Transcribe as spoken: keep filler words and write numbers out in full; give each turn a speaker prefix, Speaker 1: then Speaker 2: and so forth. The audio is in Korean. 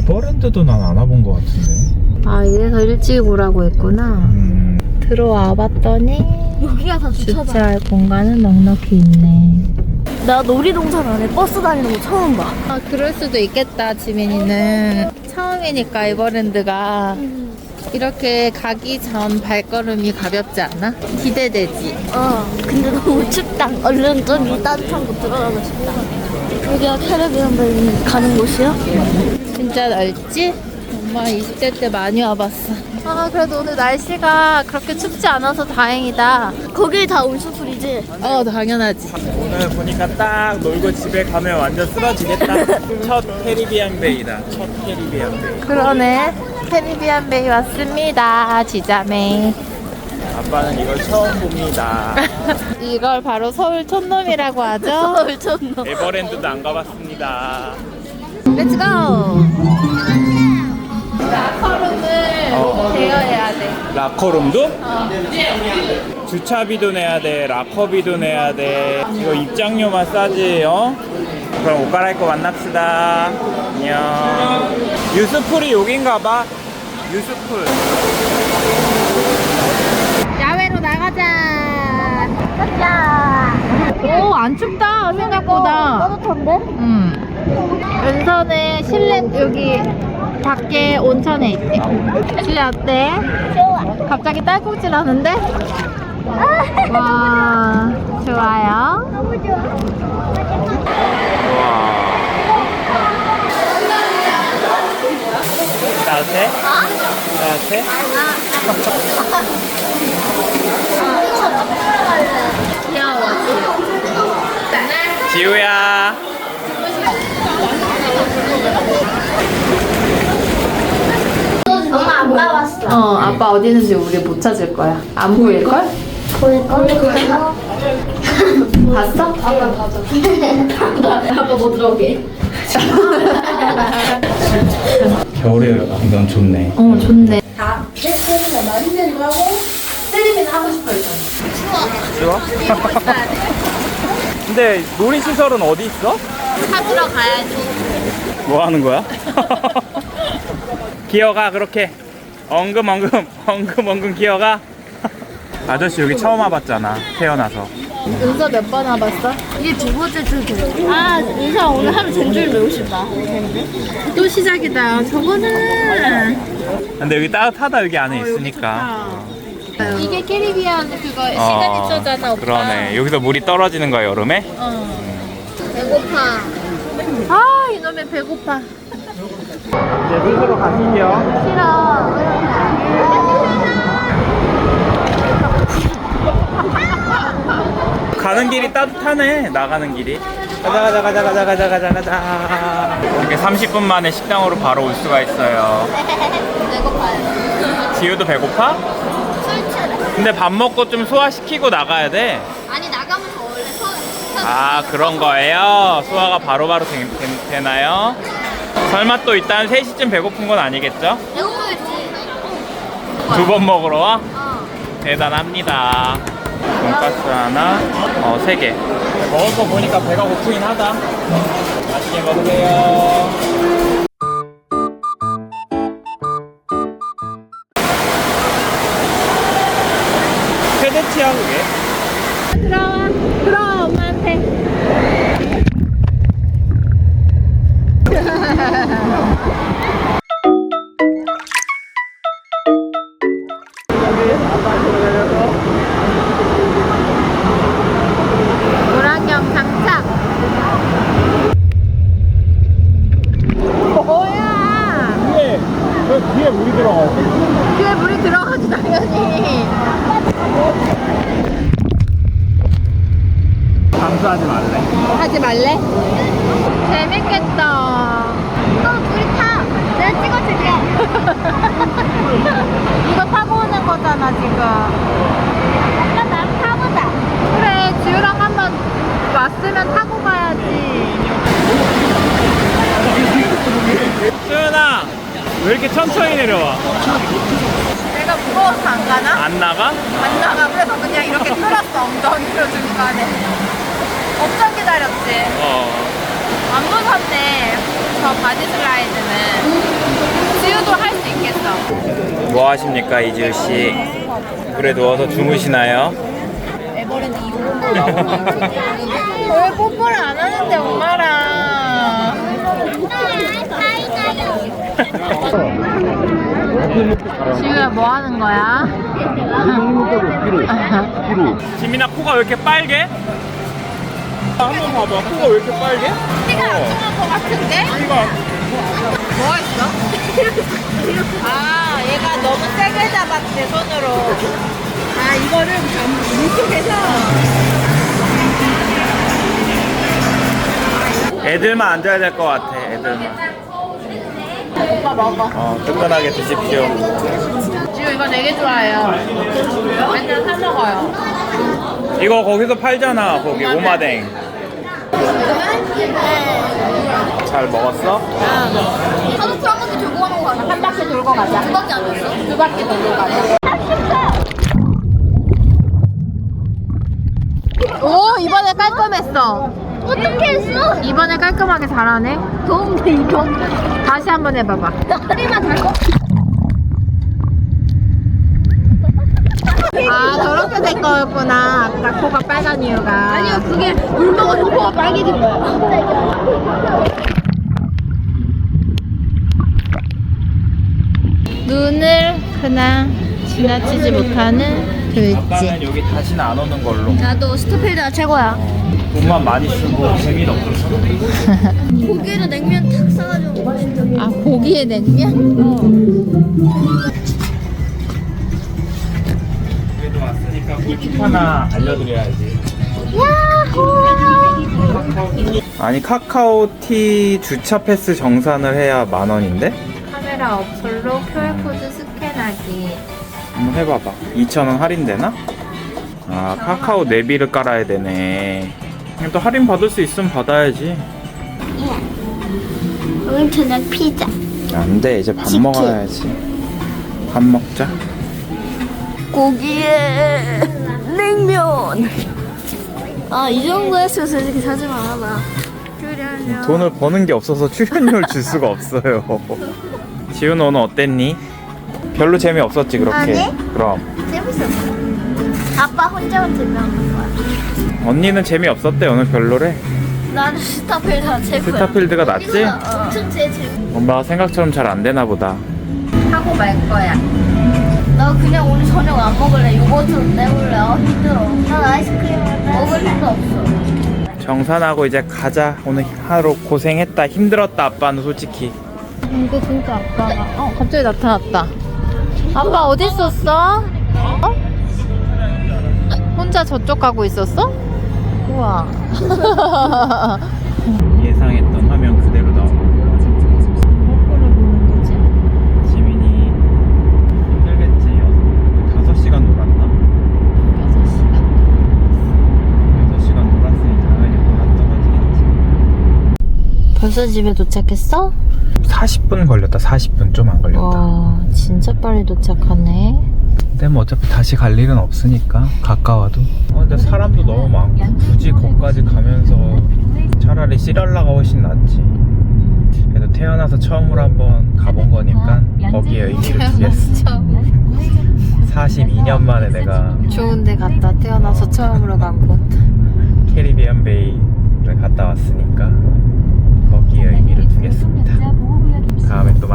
Speaker 1: 에버랜드도 난 안 와본 것 같은데.
Speaker 2: 아, 이래서 일찍 오라고 했구나.
Speaker 1: 음.
Speaker 2: 들어와 봤더니
Speaker 3: 여기가 다 주차장.
Speaker 2: 주차할 공간은 넉넉히 있네.
Speaker 3: 나 놀이동산 안에 버스 다니는 거 처음 봐.
Speaker 2: 아, 그럴 수도 있겠다. 지민이는 처음이니까 에버랜드가. 이렇게 가기 전 발걸음이 가볍지 않나? 기대되지?
Speaker 3: 어, 근데 너무 춥다. 얼른 저기 따뜻한 곳 들어가고 싶다. 여기가 캐리비안 베이 가는 곳이야?
Speaker 2: 진짜 넓지? 엄마 이십 대 때 많이 와봤어. 아, 그래도 오늘 날씨가 그렇게 춥지 않아서 다행이다.
Speaker 3: 거기 다 올수풀이지?
Speaker 2: 어, 당연하지.
Speaker 1: 오늘 보니까 딱 놀고 집에 가면 완전 쓰러지겠다. 첫 캐리비안 베이다. 첫 캐리비안 베이.
Speaker 2: 그러네. 캐리비안 베이 왔습니다. 지자매.
Speaker 1: 아빠는 이걸 처음 봅니다.
Speaker 2: 이걸 바로 서울 촌놈이라고 하죠.
Speaker 3: 서울 촌놈.
Speaker 1: 에버랜드도 안 가봤습니다.
Speaker 2: 렛츠고! 라커룸을
Speaker 1: 어.
Speaker 2: 대여해야 돼.
Speaker 1: 라커룸도?
Speaker 2: 어.
Speaker 1: 주차비도 내야 돼, 라커비도 내야 돼. 이거 입장료만 싸지, 어? 그럼 옷 갈아입고 만납시다. 안녕. 유스풀이 여긴가 봐. 유스풀.
Speaker 2: 야외로 나가자.
Speaker 3: 가자.
Speaker 2: 오, 안 춥다, 생각보다.
Speaker 3: 따뜻한데?
Speaker 2: 음. 은서는 실내, 여기 밖에 온천에 있대. 실내 어때?
Speaker 3: 좋아.
Speaker 2: 갑자기 딸꾹질 하는데? 와, 좋아요.
Speaker 3: 너무 좋아.
Speaker 1: 우와. 따뜻해? 따뜻해?
Speaker 2: 귀여워.
Speaker 1: 지우야.
Speaker 3: 엄마 아빠 왔어.
Speaker 2: 어, 아빠 어디 있는지 우리 못 찾을 거야. 안 보일걸?
Speaker 3: 보일걸? 그래서
Speaker 2: 봤어?
Speaker 3: 아빠 가자. 아빠 못 들어오게.
Speaker 1: 겨울에 이건 좋네.
Speaker 2: 어, 좋네.
Speaker 1: 좋아? 근데 놀이시설은 어디 있어?
Speaker 2: 찾으러 가야지.
Speaker 1: 뭐 하는 거야? 기어가 그렇게 엉금엉금 엉금엉금 기어가. 아저씨 여기 처음 와봤잖아, 태어나서.
Speaker 2: 은서 몇 번 와봤어?
Speaker 3: 이게 두 번째 줄도. 아, 은사 오늘 하루 전주를 배우고 싶다.
Speaker 2: 또 시작이다. 저거는
Speaker 1: 근데 여기 따뜻하다, 여기 안에 있으니까.
Speaker 2: 이게 캐리비안 그거
Speaker 1: 어,
Speaker 2: 시그니처잖아, 오빠.
Speaker 1: 그러네. 여기서 물이 떨어지는 거야, 여름에?
Speaker 2: 어. 배고파. 아, 이놈의 배고파.
Speaker 1: 이제 스스로 가시죠.
Speaker 2: 싫어.
Speaker 1: 가는 길이 따뜻하네, 나가는 길이. 가자 가자 가자 가자 가자 가자 가자. 이렇게 삼십 분 만에 식당으로 바로 올 수가 있어요.
Speaker 3: 배고파요.
Speaker 1: 지우도 배고파?
Speaker 3: 술취를.
Speaker 1: 근데 밥 먹고 좀 소화시키고 나가야 돼.
Speaker 3: 아니 나가면서 원래 서.
Speaker 1: 아, 그런 거예요? 소화가 바로바로 되, 되, 되나요? 설마 또 일단 세 시쯤 배고픈 건 아니겠죠?
Speaker 3: 배고프겠지.
Speaker 1: 두 번 먹으러 와?
Speaker 3: 어.
Speaker 1: 대단합니다. 돈가스 하나, 어, 세 개. 먹을 거 보니까 배가 고프긴 하다. 맛있게 먹으세요. 최대치야, 그게?
Speaker 2: 들어와. 들어와, 엄마한테. 물안경 장착. 뭐야?
Speaker 1: 뒤에, 저 뒤에 물이 들어가고.
Speaker 2: 귀에 물이 들어가지, 당연히.
Speaker 1: 감수하지 말래.
Speaker 2: 하지 말래? 재밌겠다.
Speaker 3: 너 둘이 타. 내가 찍어줄게.
Speaker 2: 이거 타고 오는 거잖아, 지금.
Speaker 3: 아빠 나랑 타보자.
Speaker 2: 그래, 지우랑 한번 왔으면 타고 가야지.
Speaker 1: 수연아, 왜 이렇게 천천히 내려와?
Speaker 2: 내가 무거워서 안 가나?
Speaker 1: 안 나가?
Speaker 2: 안 나가. 그래서 그냥 이렇게 끌었어, 엉덩이로 중간에. 엄청 기다렸지?
Speaker 1: 어.
Speaker 2: 안 무섭네. 저 바디 슬라이드는. 지우도 할 수 있겠어.
Speaker 1: 뭐 하십니까, 이지우 씨? 물에 누워서 주무시나요?
Speaker 2: 왜 뽀뽀를 안 하는데 엄마랑. 지우야 뭐 하는 거야?
Speaker 1: 지민아, 코가 왜 이렇게 빨개? 한번 봐봐. 코가 왜 이렇게 빨개?
Speaker 2: 피가 안 통한 것 같은데?
Speaker 1: 이거
Speaker 2: 뭐가 있어? 아 얘가 너무 세게 잡았대 손으로. 아 이거를 물속에서.
Speaker 1: 애들만 앉아야 될 것 같아. 애들만.
Speaker 2: 오빠 먹어.
Speaker 1: 어, 뜨끈하게 드십시오.
Speaker 2: 지우 이거 되게 좋아해요. 맨날 사 먹어요.
Speaker 1: 이거 거기서 팔잖아. 거기 오마댕. 잘 먹었어?
Speaker 3: 한우풀 한 바퀴 들고 가는 거 아니야?
Speaker 2: 한 바퀴 돌고 가자.
Speaker 3: 두 바퀴 아니었어?
Speaker 2: 두 바퀴 돌고 가자. 오 이번에 깔끔했어.
Speaker 3: 어떻게 했어?
Speaker 2: 이번에 깔끔하게 잘하네.
Speaker 3: 더운데 이거.
Speaker 2: 다시 한번 해봐봐.
Speaker 3: 다리만 달고.
Speaker 2: 아 저렇게 된 거였구나. 아까 코가 빨간 이유가.
Speaker 3: 아니요, 그게 물 먹어서 코가 빨개진 거야.
Speaker 2: 눈을 그냥 지나치지 못하는 글씨.
Speaker 1: 아빠는 여기 다시는 안 오는 걸로.
Speaker 3: 나도 스타필드가 최고야.
Speaker 1: 돈만 많이 쓰고 재미도 없어서.
Speaker 3: 고기에다 냉면 탁 싸가지고 먹고 싶다.
Speaker 2: 아 고기에 냉면?
Speaker 1: 그래도 왔으니까 꿀팁 하나 알려드려야지. 아니 카카오티 주차 패스 정산을 해야 만 원인데?
Speaker 2: 카메라 어플로 큐알코드 스캔하기.
Speaker 1: 한번 해봐봐. 이천 원 할인되나? 아 카카오 내비를 깔아야 되네. 그냥 또 할인 받을 수 있으면 받아야지.
Speaker 3: 오늘 저녁 피자.
Speaker 1: 안돼, 이제 밥
Speaker 3: 치킨.
Speaker 1: 먹어야지. 밥 먹자.
Speaker 3: 고기에 냉면. 아, 이 정도 했으면 솔직히 사지 말아봐.
Speaker 1: 돈을 버는 게 없어서 출연료를 줄 수가 없어요. 지훈 오늘 어땠니? 별로 재미없었지 그렇게?
Speaker 3: 아니.
Speaker 1: 그럼
Speaker 3: 재밌었어. 아빠 혼자만 들면 거야.
Speaker 1: 언니는 재미없었대 오늘 별로래.
Speaker 3: 나는 스타필드가 최고야.
Speaker 1: 스타필드가 낫지?
Speaker 3: 엄청 제일 재밌어.
Speaker 1: 엄마가 생각처럼 잘 안 되나 보다.
Speaker 2: 하고 말 거야.
Speaker 3: 나 그냥 오늘 저녁 안 먹을래. 요거트 내볼래. 아, 힘들어. 난 아이스크림 먹을 힘도 없어.
Speaker 1: 정산하고 이제 가자. 오늘 하루 고생했다. 힘들었다. 아빠는 솔직히.
Speaker 2: 이거 진짜 아빠가. 어 갑자기 나타났다. 아빠 어디 있었어? 어? 혼자 저쪽 가고 있었어? 우와.
Speaker 1: 예상했던 화면 그대로 나오고.
Speaker 2: 거꾸로 보는 거지?
Speaker 1: 지민이 힘들겠지. 다섯 시간 놀았나?
Speaker 2: 여섯 시간.
Speaker 1: 여섯 시간 놀았으니 당연히 뭐가 떨어지겠지.
Speaker 2: 벌써 집에 도착했어?
Speaker 1: 사십 분 걸렸다. 사십 분 좀 안 걸렸다.
Speaker 2: 와 진짜 빨리 도착하네.
Speaker 1: 근데 뭐 어차피 다시 갈 일은 없으니까 가까워도. 어, 근데 사람도 너무 많고 굳이 거기까지 가면서 차라리 시랄라가 훨씬 낫지. 그래도 태어나서 처음으로 한번 가본 거니까 거기에 의미를 두겠어. 사십이 년 만에 내가
Speaker 2: 좋은데 갔다 태어나서 처음으로 간 곳.
Speaker 1: 캐리비안 베이를 갔다 왔으니까 거기에 의미를 두겠습니다. 다음에 또